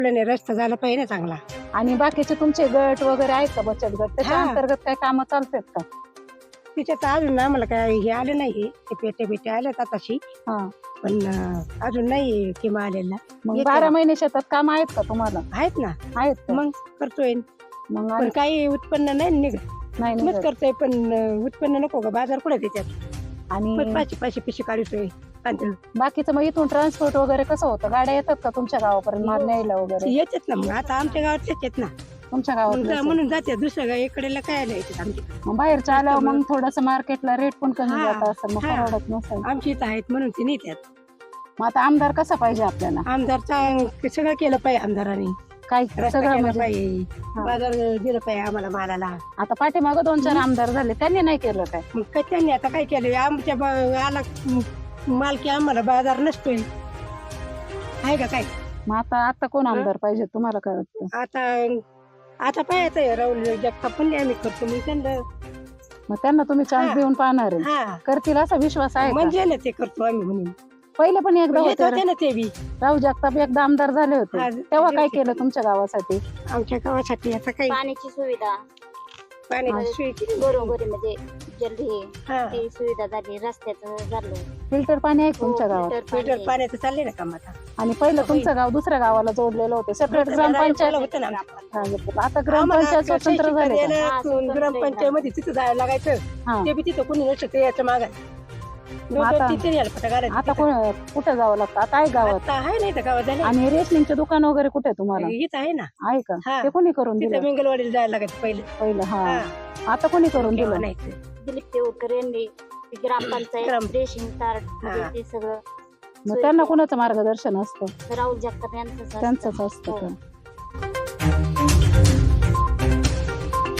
आपल्याला रस्ता झाला पाहिजे ना चांगला. आणि बाकीचे तुमचे गट वगैरे आहेत का, बचत गट, त्याच्या हा. अंतर्गत काही कामं चालतात का? तिच्यात अजून आम्हाला काय हे आले नाही, ते पेटे आल्यात आताशी, हा. पण अजून नाही किंवा आलेला. मग येते 12 ना. महिने शेतात काम आहेत का तुम्हाला? आहेत ना, आहेत का? मग करतोय. मग पण काही उत्पन्न नाही निघत. नाही मग निघत. करतोय पण उत्पन्न नको का, बाजार कुठे त्याच्यात. आणि मग पाचशे पिशे काढतोय. बाकीचं मग इथून ट्रान्सपोर्ट वगैरे कसं होतं? गाड्या येतात का तुमच्या गावापर्यंत माल न्यायला वगैरे? येतात ना, मग आता आमच्या गावात येतात ना, तुमच्या मग गावात म्हणून जाते. दुसऱ्या इकडेला काय नाही येतात आमच्या. मग बाहेरच्या आल्यावर मग थोडस मार्केटला रेट पण कमी हा. जात असं, मग हा. परवडत नसेल. आमची इथं आहेत म्हणून ते नेतात. मग आता आमदार कसा पाहिजे आपल्याला? आमदारचा सगळं केलं पाहिजे आमदारांनी. काय रस्ता सगळं केला म्हणजे पाहिजे, हा. बाजार दिलं पाहिजे आम्हाला मालाला. आता पाठीमागं 2-4 आमदार झाले, त्यांनी नाही केलं काय? मग काय त्यांनी आता काय केलं, आमच्या आला मालकी आम्हाला बाजार नसतोय, आहे का काय. मग आता कोण आमदार पाहिजे तुम्हाला काय वाटतं? आता पाहायचं राहुल जगताप पण आम्ही करतो, मग त्यांना मग त्यांना तुम्ही चान्स हा. देऊन पाहणार आहे? हा करतील असा विश्वास आहे का? म्हणजे ना ते करतो आम्ही म्हणून. पहिले पण एकदा येत होते होते ना ते बी राहू जगताप, एकदा आमदार झाले होते, हा, तेव्हा काय होते. केलं तुमच्या गावासाठी? आमच्या गावासाठी आता काही पाण्याची सुविधा पाण्याची सोय केली. बरोबर म्हणजे जल्दी हा. ती सुविधा झाली, रस्त्याचं झालं. फिल्टर पाणी आहे का हो, तुमच्या गावात? फिल्टर पाण्याचं चाललंय ना काम आता. आणि पहिलं तुमचं गाव दुसऱ्या गावाला जोडलेलं होतं, सेपरेट ग्रामपंचायत होतं ना. आता ग्रामपंचायत स्वतंत्र झाले का? हा, स्वतंत्र ग्रामपंचायत मध्ये तिथं जायला लागायचं, हा. ते बी तिथं कोणी नसतं याचं मागाय. आता- आता आता कुठं जावं लागतं? आता आहे गावात. आहे नाही तर गावात झालं. आणि रेशनिंगचे दुकान वगैरे कुठे आहे तुम्हाला? इथं आहे ना, आहे का? हा. ते कोणी करून तिथं दिलं मंगलवाडीला जायला लागायचं पहिलं. पहिलं? हा. हा. आता कोणी करून तेव्हा दिलं? नाही ते. दिलीप देवकर यांनी ती ग्रामपंचायत ग्राम- रेशन कार्ड म्हणजे हा. ते सगळं मग त्यांना कोणाचं मार्गदर्शन असतं? राहुल जगताप यांचं त्यांचंच असतं का?